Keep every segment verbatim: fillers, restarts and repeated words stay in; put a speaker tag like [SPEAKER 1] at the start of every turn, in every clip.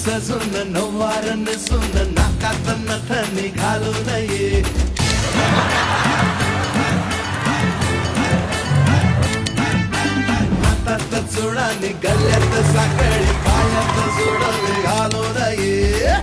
[SPEAKER 1] सजून नऊवार नेसून नाकात नथनी घालून ये हातात चुडाने गल्ल्यात साखळी पायात जोडवे घालून ये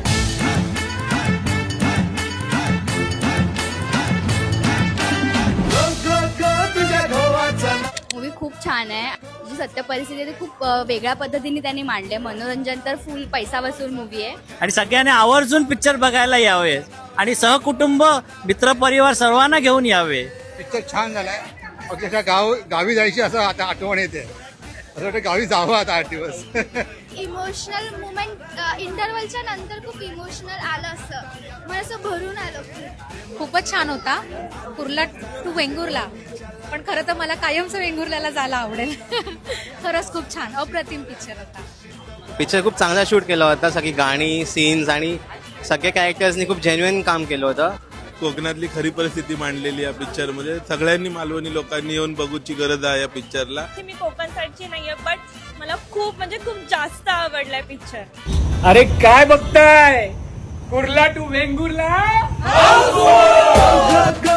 [SPEAKER 1] गो गो गो तुझ्या घोवाचा
[SPEAKER 2] मूवी खूप छान आहे. जी सत्य परिस्थिती आहे ती खूप अ, वेगळ्या पद्धतीने त्यांनी मांडले. मनोरंजन तर फुल पैसा वसूल मूवी आहे.
[SPEAKER 3] आणि सगळ्यांनी आवर्जून पिक्चर बघायला यावे आणि सहकुटुंब मित्रपरिवार सर्वांना घेऊन यावे.
[SPEAKER 4] पिक्चर छान झालाय. अक्षरशः गाव गावी जायची असं आता आठवण येते. असं वाटतं गावी जावं आता आठ दिवस.
[SPEAKER 2] इमोशनल मुमेंट इंटरव्हलच्या नंतर खूप इमोशनल आलं असं मला असं भरून आलं.
[SPEAKER 5] खूपच छान होता. कुर्ला टू वेंगुर्ला, पण खरं तर मला कायमचं वेंगुर्ल्याला जायला आवडेल. खरंच खूप छान अप्रतिम पिक्चर होता.
[SPEAKER 6] पिक्चर खूप चांगला शूट केला होता. सगळी गाणी सीन्स आणि सगळ्या कॅरेक्टर्सनी खूप जेन्युइन काम केलं होतं.
[SPEAKER 7] कोकणातली खरी परिस्थिती मांडलेली या पिक्चर मध्ये. सगळ्यांनी मालवणी लोकांनी येऊन बघूची गरज आहे या पिक्चरला.
[SPEAKER 8] मी कोकण साईडची नाहीये, बट मला खूप म्हणजे खूप जास्त आवडलाय पिक्चर.
[SPEAKER 9] अरे काय बघताय? कुर्ला टू वेंगुर्ला.